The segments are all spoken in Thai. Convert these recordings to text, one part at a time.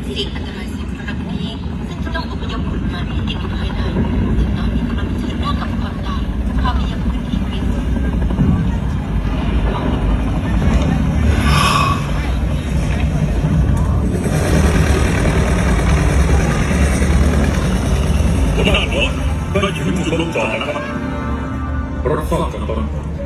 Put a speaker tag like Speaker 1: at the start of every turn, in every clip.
Speaker 1: เสี่ยงอันตรายเสี่ยงครั้งนี้ซึ่งจะต้องอพยพคนมาที่ติดอยู่ภายในซึ่งตอนนี้กำลังเผชิญหน้ากับความตายพาไปยังพื้นที่กรีนโซน
Speaker 2: หัวหน้าหน่วยได้ถึงจุดลงจอดแล้วนะครับรับทราบกันตอน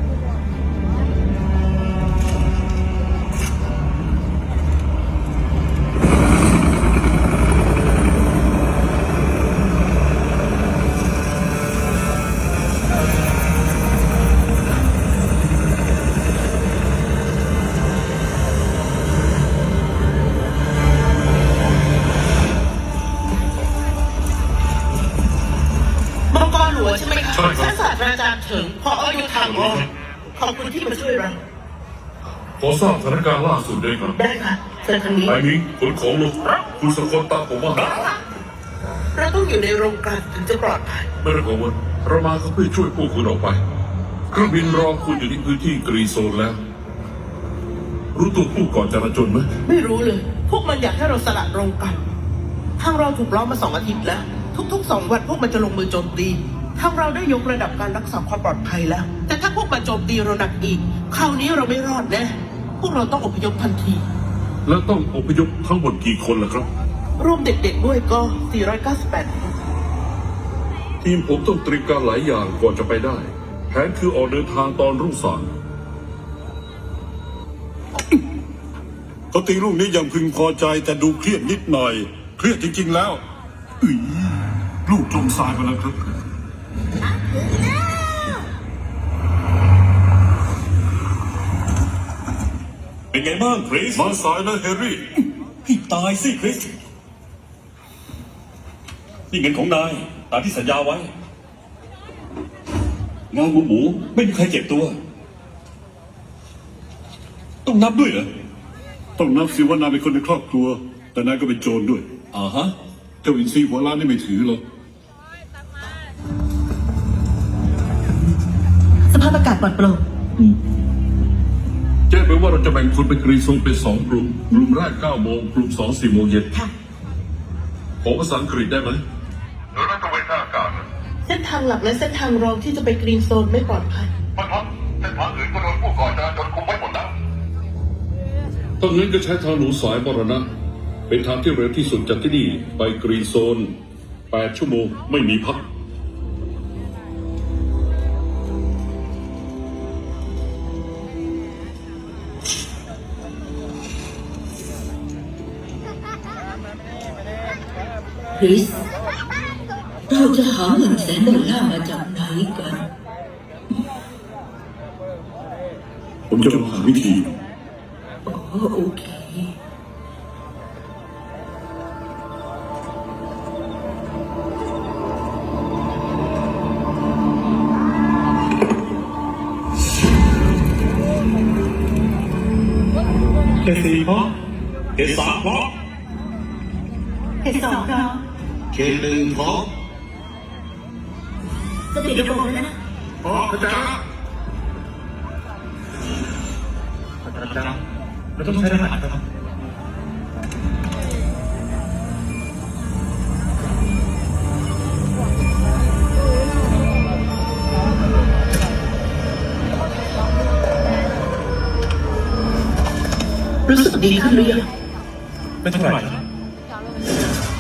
Speaker 1: ใช่ไหมคะท่านศาสตราจารย์ถึงพออยู่ทางออกขอบคุณที่มาช่วยเรา
Speaker 2: ขอทราบสถานการณ์ล่าสุดด้วยครับ
Speaker 1: ได้ค่ะเชิญทางนี้
Speaker 2: ไอ้นี้ขนของลงคุณสกลตามผมมา
Speaker 1: เราต้องอยู่ในโรงกลั่นถึงจะปลอดภัย
Speaker 2: ไม่ต้องกังวลเรามาเขาเพื่อช่วยพวกคุณออกไปเครื่องบินรอคุณอยู่ที่พื้นที่กรีนโซนแล้วรู้ตัวผู้ก่อจราจรไหม
Speaker 1: ไม่รู้เลยพวกมันอยากให้เราสละโรงกลั่นทางเราถูกล้อมมา2 อาทิตย์แล้วทุกๆ2 วันพวกมันจะลงมือโจมตีทางเราได้ยกระดับการรักษาความปลอดภัยแล้วแต่ถ้าพวกมันโจมตีเราหนักอีกคราวนี้เราไม่รอดแน่พวกเราต้องอพยพทันที
Speaker 2: แล้วต้องอพยพทั้งหมดกี่คนล่ะครับ
Speaker 1: รวมเด็กๆด้วยก็498คน
Speaker 2: ทีมผมต้องเตรียมการหลายอย่างก่อนจะไปได้แผนคือออกเดินทางตอนรุ่งสาง
Speaker 3: เขาตีลูกนี้ยังพึงพอใจแต่ดูเครียดนิดหน่อยเครียดจริงๆแล้ว
Speaker 2: ลูกจมทรายมาแล้วครับ
Speaker 3: เป็นไงบ้างคริส
Speaker 2: มาสายนะเฮร์รี่
Speaker 3: ให้ตายสิคริสนี่เงินของนายตามที่สัญญาไว้เงาหมูไม่มีใครเจ็บตัวต้องนับด้วยเหรอ
Speaker 2: ต้องนับสิว่านายเป็นคนในครอบครัวแต่นายก็เป็นโจรด้วย
Speaker 3: ฮะ
Speaker 2: เจ้าอินทรีหัวล้านนี่ไม่ถือหรอก
Speaker 1: สภาพอากาศปลอดโปร่ง
Speaker 2: แจ้งไปว่าเราจะแบ่งคนเป็นกรีนโซนเป็น2 กลุ่มกลุ่มแรก9 โมงกลุ่ม2 4 โมงเย็น
Speaker 1: ค่ะ
Speaker 2: ขอภาษาอังกฤษได้ไหมโดยรัฐเวทอากาศ
Speaker 1: เส้นทางหลักและเส้นทางรองที่จะไปกรีนโซนไม่ปลอดภัย
Speaker 2: ครับเส้นทางอื่นก็โดนผู้ก่อการจนคุมไว้หมดแล้วตอนนั้นก็ใช้ทางหนูสายมรณะเป็นทางที่เร็วที่สุดจากที่นี่ไปกรีนโซน8 ชั่วโมงไม่มีพัก
Speaker 1: คริสเราจะหาเงิน$100,000มาจากไหนกัน
Speaker 2: ผมจะหาวิธี
Speaker 1: โอเค
Speaker 3: เกษ4 เพราะเกษ3 เพราะ
Speaker 1: เขต2เรา
Speaker 3: เกษ1 เพราะ
Speaker 1: จะติดระบบแล้วนะ
Speaker 3: เข้าใจแล้วเราต้องใช้รหัสครับ
Speaker 1: รู้สึกดีขึ้นหรือยัง
Speaker 3: เป็นเท่าไหร่